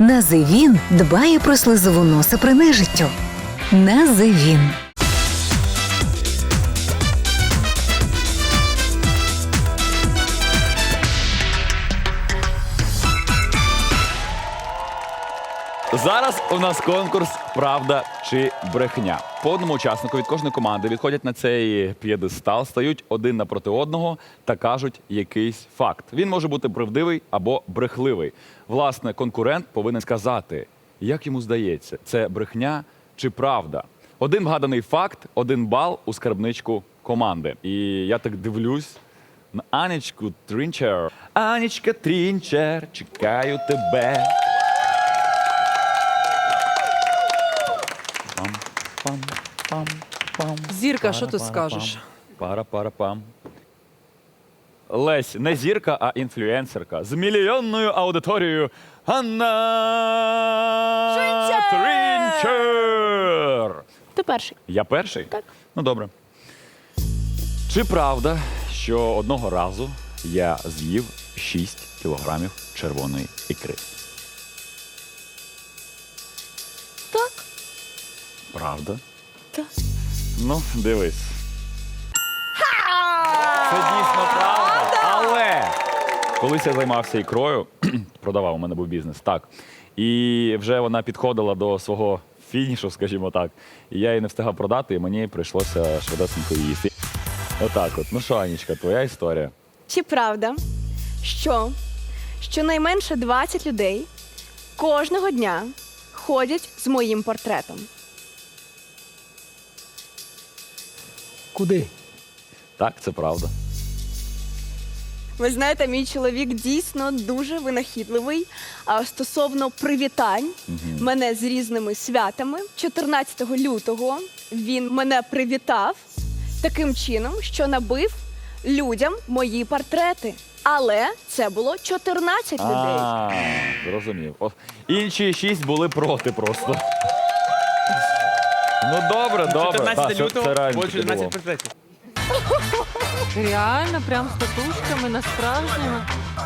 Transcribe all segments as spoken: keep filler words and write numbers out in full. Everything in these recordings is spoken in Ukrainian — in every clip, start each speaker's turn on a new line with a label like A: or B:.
A: Називін дбає про слизову носа при нежиттю. Називін.
B: Зараз у нас конкурс «Правда чи брехня». По одному учаснику від кожної команди відходять на цей п'єдестал, стають один напроти одного та кажуть якийсь факт. Він може бути правдивий або брехливий. Власне, конкурент повинен сказати, як йому здається, це брехня чи правда. Один вгаданий факт, один бал у скарбничку команди. І я так дивлюсь на Анечку Трінчер. Анечка Трінчер, чекаю тебе.
C: Зірка, що ти скажеш?
B: Пара-пара-пам. Лесь, не зірка, а інфлюенсерка. З мільйонною аудиторією Анна Трінчер.
D: Ти перший.
B: Я перший?
D: Так.
B: Ну, добре. Чи правда, що одного разу я з'їв шість кілограмів червоної ікри?
D: Так.
B: Правда?
D: Так.
B: Ну, дивись. Це дійсно правда, але колись я займався ікрою, продавав, у мене був бізнес, так. І вже вона підходила до свого фінішу, скажімо так. І я її не встигав продати, і мені прийшлося швидесенько їсти. Отак от. Ну що, Анічка, твоя історія?
D: Чи правда, що щонайменше двадцять людей кожного дня ходять з моїм портретом?
E: Куди?
B: Так, це правда.
D: Ви знаєте, мій чоловік дійсно дуже винахідливий. А стосовно привітань мене з різними святами, чотирнадцятого лютого він мене привітав таким чином, що набив людям мої портрети. Але це було чотирнадцять людей.
B: А, зрозумів. О, інші шість були проти просто. Ну добре, добре. Так,
F: чотирнадцятого
B: це-
F: лютого
B: це реально
F: було
B: таки
F: чотирнадцять
B: було.
F: портретів.
C: Реально, прям з татушками, на справжньому.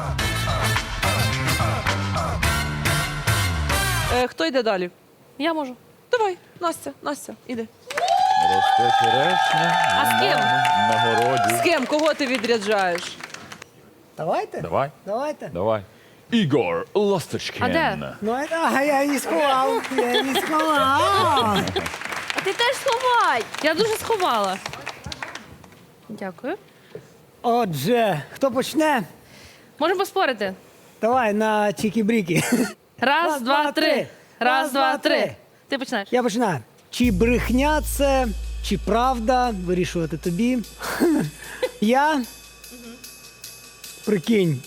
C: Е, хто йде далі?
G: Я можу.
C: Давай, Настя, Настя, іди.
B: Росте черешня
G: А з ким?
B: на, на городі.
C: З ким? Кого ти відряджаєш?
E: Давайте?
B: Давай,
E: Давайте.
B: давай. Ігор Ласточкін.
G: А де?
E: Ну, это, а я не сховав. Я не сховав.
D: А ти теж сховай!
G: Я дуже сховала. Дякую.
E: Отже, хто почне?
G: Можемо поспорити.
E: Давай на чікі-бріки.
G: Раз, два, три. Раз, два, три. Ти починаєш.
E: Я починаю. Чи брехня це, чи правда, вирішувати тобі. Я, прикинь,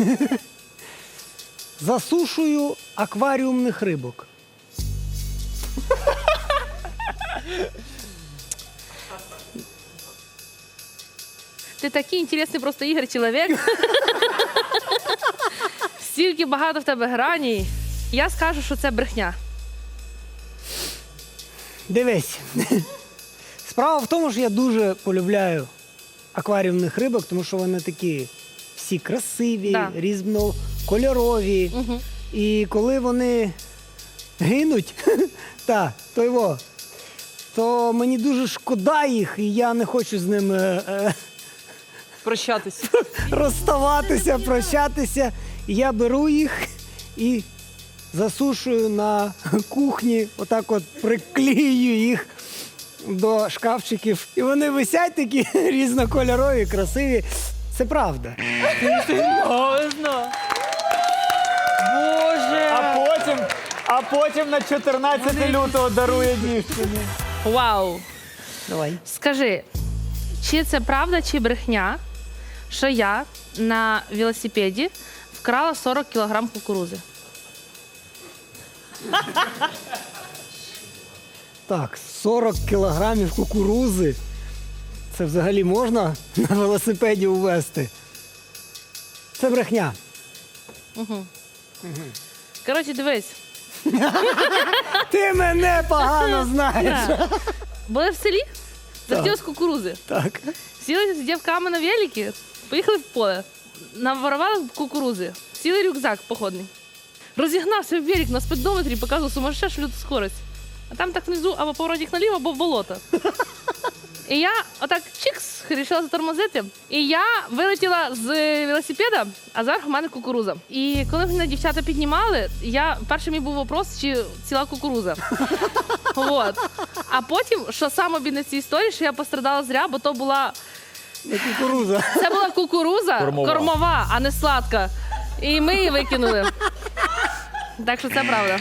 E: засушую акваріумних рибок.
G: Ти такий інтересний просто Ігор чоловік. Стільки багато в тебе граній. Я скажу, що це брехня.
E: Дивись. Справа в тому, що я дуже полюбляю акваріумних рибок, тому що вони такі всі красиві,
G: Да.
E: різнокольорові.
G: Угу.
E: І коли вони гинуть, та, то його, то мені дуже шкода їх, і я не хочу з ними е,
C: Прощатись.
E: розставатися, прощатися. І я беру їх і засушую на кухні, отак от приклею їх до шкафчиків. І вони висять такі різнокольорові, красиві. Це правда.
C: Серйозно? Боже!
F: А потім, а потім на чотирнадцяте лютого дарує дівчині.
G: Вау.
E: Давай.
G: Скажи, чи це правда, чи брехня, що я на велосипеді вкрала сорок кілограм кукурузи?
E: Так, сорок кілограмів кукурузи. Це взагалі можна на велосипеді увезти? Це брехня.
G: Коротше, дивись.
E: Ти мене погано знаєш.
G: Да. Були в селі, захотілось кукурузи.
E: Так.
G: Сіли з дівками на велики, поїхали в поле, наворували кукурузи, сіли рюкзак походний. розігнався в велик на спидометрі і показував сумасшедшу люту скорость. А там так внизу або поворотник наліво, або в болото. І я отак чикс, вирішила затормозити. І я вилетіла з велосипеда, а зверху в мене кукуруза. І коли мене дівчата піднімали, я, перший мій був вопрос, чи ціла кукуруза. Вот. А потім, що саме обідне в цій історії, що я пострадала зря, бо то була...
E: Не кукуруза.
G: Це була кукуруза
B: Кормова.
G: кормова, а не сладка. І ми її викинули. Так що це правда.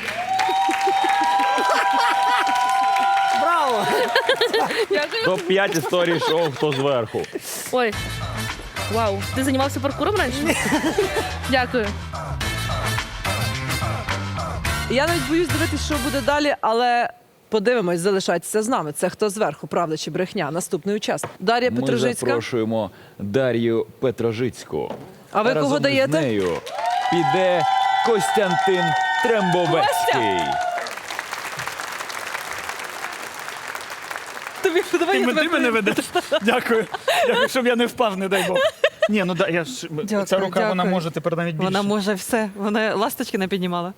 E: Браво!
G: Дякую.
B: Топ п'ять історій шоу «Хто зверху».
G: Ой. Вау. Ти займався паркуром раніше? Дякую.
C: Я навіть боюсь дивитися, що буде далі, але подивимось, залишайтеся з нами. Це «Хто зверху», правда чи брехня? Наступний учасник. Дар'я
B: Ми
C: Петрожицька.
B: запрошуємо Дар'ю Петрожицьку.
C: А ви
B: Разом
C: кого даєте?
B: з нею піде Костянтин Трембовецький.
C: Тобі, давай
F: Ти,
C: я
F: м-
C: тебе
F: ти мене ведеш? Дякую. Дякую, щоб я не впав, не дай Бог. Ні, ну да, я ж,
H: Дякую,
F: ця рука, вона
H: дякую.
F: може тепер навіть більше.
H: Вона може все. Вона ласточки не піднімала.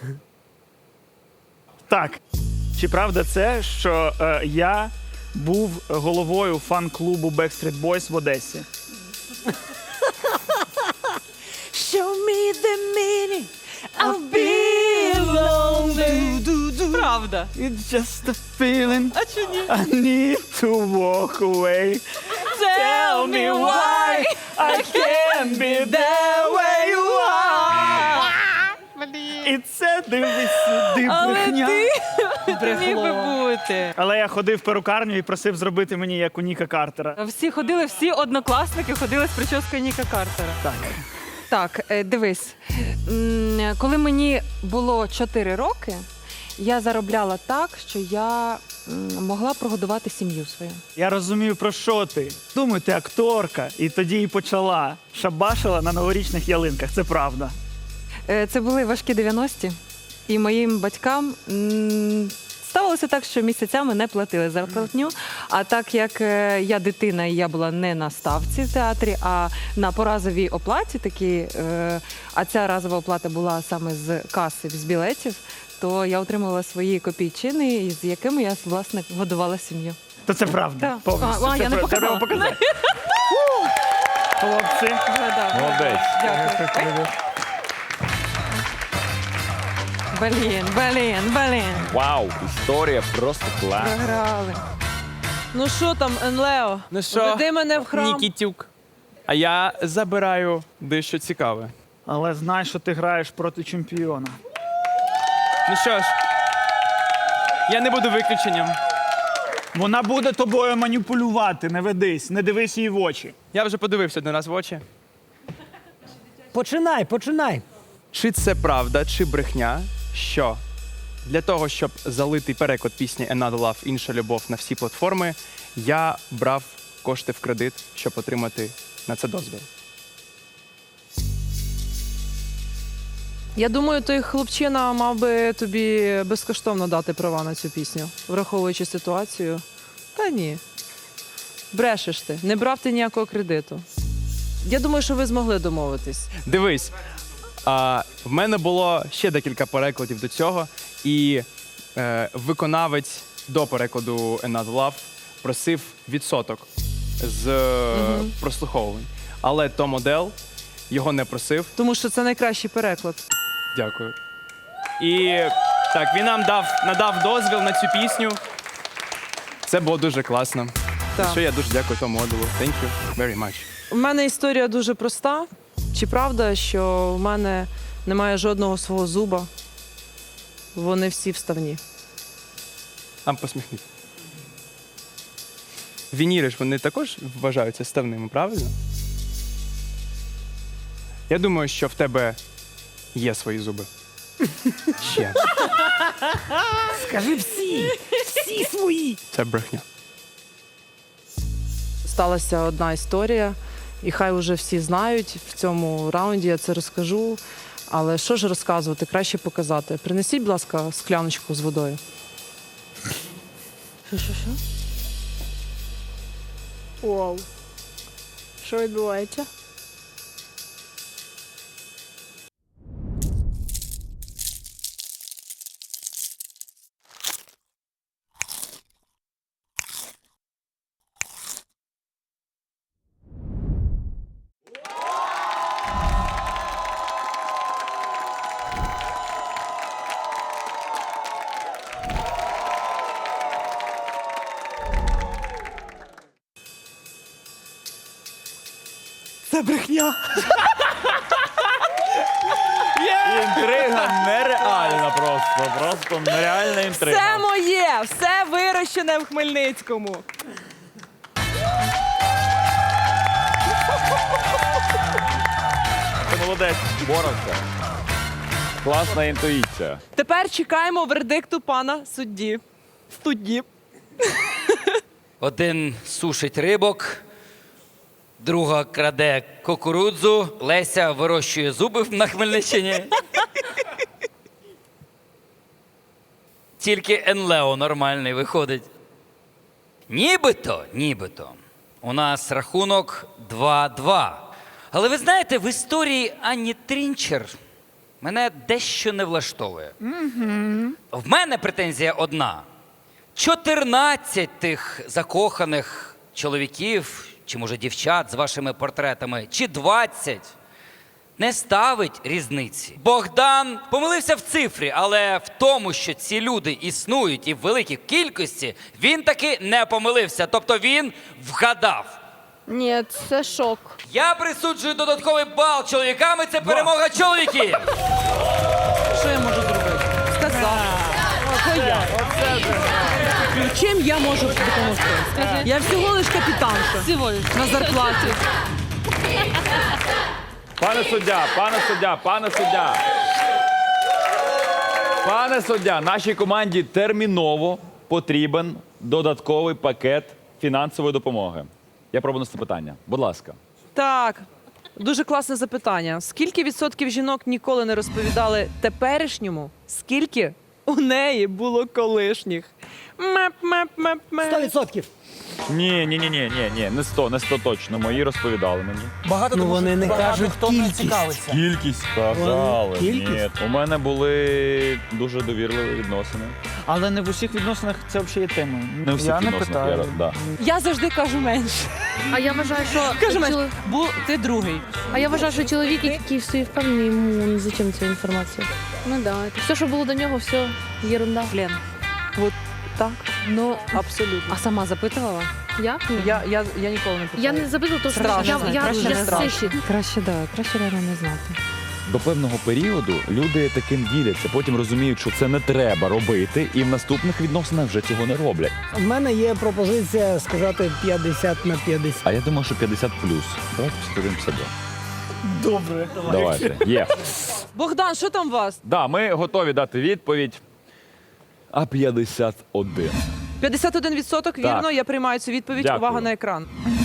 F: Так. Чи правда це, що е, я був головою фан-клубу Backstreet Boys в Одесі?
H: Show me the meaning of being lonely. Правда.
F: It's just a feeling
H: А чи ні?
F: I need to walk away. Tell me why I can't be there where you are. І це дивись сюди, брехня.
H: Ти міг би бути.
F: Але я ходив в перукарню і просив зробити мені як у Ніка Картера.
H: Всі ходили, всі однокласники ходили з прическою Ніка Картера.
F: Так.
H: Так, е, дивись. М, Коли мені було чотири роки, я заробляла так, що я м, могла прогодувати сім'ю свою.
F: Я розумію, про що ти. Думаю, ти акторка, і тоді і почала. Шабашила на новорічних ялинках, це правда.
H: Е, Це були важкі дев'яності, і моїм батькам м, ставилося так, що місяцями не платили зарплатню. А так як е, я дитина і я була не на ставці в театрі, а на поразовій оплаті такі, е, а ця разова оплата була саме з каси, з білетів, то я отримувала свої копійчини, з якими я, власне, годувала сім'ю.
F: То це правда.
H: Так.
F: Повністю.
H: А, а,
F: Це
H: я не
F: правда.
H: показала.
F: Треба показати. Хлопці.
B: Молодець.
H: Дякую. Блін, блін, блін.
B: Вау, історія просто клас.
H: Програли.
C: Ну що там, Енлео?
I: Ну що,
C: Веди мене в храм.
I: Нікітюк. А я забираю дещо цікаве.
F: Але знай, що ти граєш проти чемпіона.
I: Ну що ж, я не буду виключенням.
F: Вона буде тобою маніпулювати, не ведись, не дивись їй в очі.
I: Я вже подивився один раз в очі.
E: Починай, починай.
I: Чи це правда, чи брехня, що для того, щоб залити переклад пісні Another Love, інша любов на всі платформи, я брав кошти в кредит, щоб отримати на це дозвіл.
C: Я думаю, той хлопчина мав би тобі безкоштовно дати права на цю пісню, враховуючи ситуацію. Та ні. Брешеш ти. Не брав ти ніякого кредиту. Я думаю, що ви змогли домовитись.
I: Дивись, а, в мене було ще декілька перекладів до цього, і е, виконавець до перекладу Another Love просив відсоток з е, прослуховувань. Але Том Одел його не просив.
C: Тому що це найкращий переклад.
I: Дякую. І так, він нам дав, надав дозвіл на цю пісню. Це було дуже класно.
C: Так.
I: За що я дуже дякую Тому Оделу. Thank you very much.
C: У мене історія дуже проста. Чи правда, що в мене немає жодного свого зуба? Вони всі вставні.
I: А посміхнись. Вініри ж вони також вважаються ставними, правильно? Я думаю, що в тебе є свої зуби. Ще.
E: Скажи всі, всі свої.
I: Це брехня.
C: Сталася одна історія, і хай уже всі знають. В цьому раунді я це розкажу. Але що ж розказувати, краще показати. Принесіть, будь ласка, скляночку з водою. Що, що, що?
D: Вау. Що відбувається?
F: Це брехня.
B: Інтрига нереальна просто. Просто нереальна інтрига.
C: Все моє, все вирощене в Хмельницькому.
B: Ти молодець, боровся. Класна інтуїція.
C: Тепер чекаємо вердикту пана судді. Судді.
J: Один сушить рибок, друга краде кукурудзу, Леся вирощує зуби на Хмельниччині. Тільки Енлео нормальний виходить. Нібито, нібито. У нас рахунок два-два. Але ви знаєте, в історії Анні Трінчер мене дещо не влаштовує. В мене претензія одна. чотирнадцять тих закоханих чоловіків, чи може дівчат з вашими портретами, чи двадцять, не ставить різниці. Богдан помилився в цифрі, але в тому, що ці люди існують і в великій кількості, він таки не помилився. Тобто він вгадав.
D: Ні, це шок.
J: Я присуджую додатковий бал чоловікам, і це перемога чоловіків.
C: Що я можу зробити? Сказав. Оце я. Чим я можу допомогти?
G: Скажи.
C: Я всього лиш капітанша.
G: Всього лиш.
C: На зарплаті.
B: Пане суддя, пане суддя, пане суддя. Пане суддя, нашій команді терміново потрібен додатковий пакет фінансової допомоги. Я пробую це питання. Будь ласка.
C: Так, дуже класне запитання. Скільки відсотків жінок ніколи не розповідали теперішньому, скільки у неї було колишніх? Меп-меп-меп-меп.
E: Сто відсотків.
B: Ні, ні, ні, ні, ні, ні, не сто, не сто точно. Мої розповідали мені.
F: Багато
E: Ну,
F: тому,
E: вони
F: що
E: не
F: багато
E: кажуть
F: хто не
E: кількість.
F: цікавиться.
B: Кількість сказали.
E: Кількість?
B: Ні, у мене були дуже довірливі відносини.
F: Але не в усіх відносинах це взагалі є темою.
B: Не у всіх
F: Я не
B: відносинах,
F: питаю.
B: я, да.
C: Я завжди кажу менше.
G: А я вважаю, що
C: Кажу менше.
G: чоло-
C: Бо ти другий.
G: а я вважаю, що чоловік, який в собі впевнений, йому не зачем ця інформація.
D: Ну да.
G: Все, що було до нього, все єрунда.
H: Лен,
C: От так,
H: ну,
C: абсолютно.
H: а сама запитувала?
G: Я? Ні.
C: Я, я, я ніколи не питаю.
G: Я не забила, тому що
C: Страшно,
G: я, я,
C: краще
G: я,
C: не
G: я
C: страшно.
G: сищі.
H: Краще, да, краще реально не знати.
B: До певного періоду люди таким діляться, потім розуміють, що це не треба робити, і в наступних відносинах вже цього не роблять.
E: У мене є пропозиція сказати п'ятдесят на п'ятдесят.
B: А я думаю, що п'ятдесят плюс. Давайте п'ятдесят один п'ятдесят два.
F: Добре.
B: Давайте. Є.
C: Богдан, що там у вас?
B: Да, ми готові дати відповідь. А п'ятдесят один.
C: п'ятдесят один відсоток, вірно, я приймаю цю відповідь.
B: Дякую.
C: Увага на екран.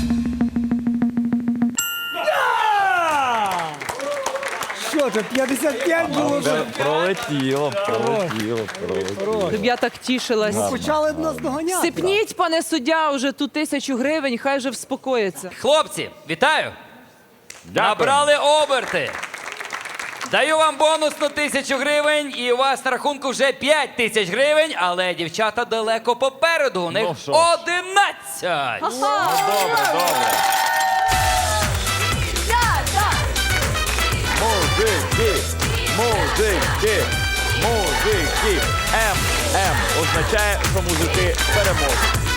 E: Що це, п'ятдесят п'ять було вже?
B: Пролетіло, пролетіло, пролетіло.
C: Щоб я так тішилась.
E: Почали нас доганяти.
C: Сипніть, пане суддя, уже ту тисячу гривень, хай вже вспокоїться.
J: Хлопці, вітаю!
B: Дякую.
J: Набрали оберти. Даю вам бонус на тисячу гривень, і у вас на рахунку вже п'ять тисяч гривень, але дівчата далеко попереду. У них
B: Ну, що ж.
J: одинадцять.
B: Ну, добре, добре. Мужики, мужики, мужики. М, М означає, що мужики переможуть.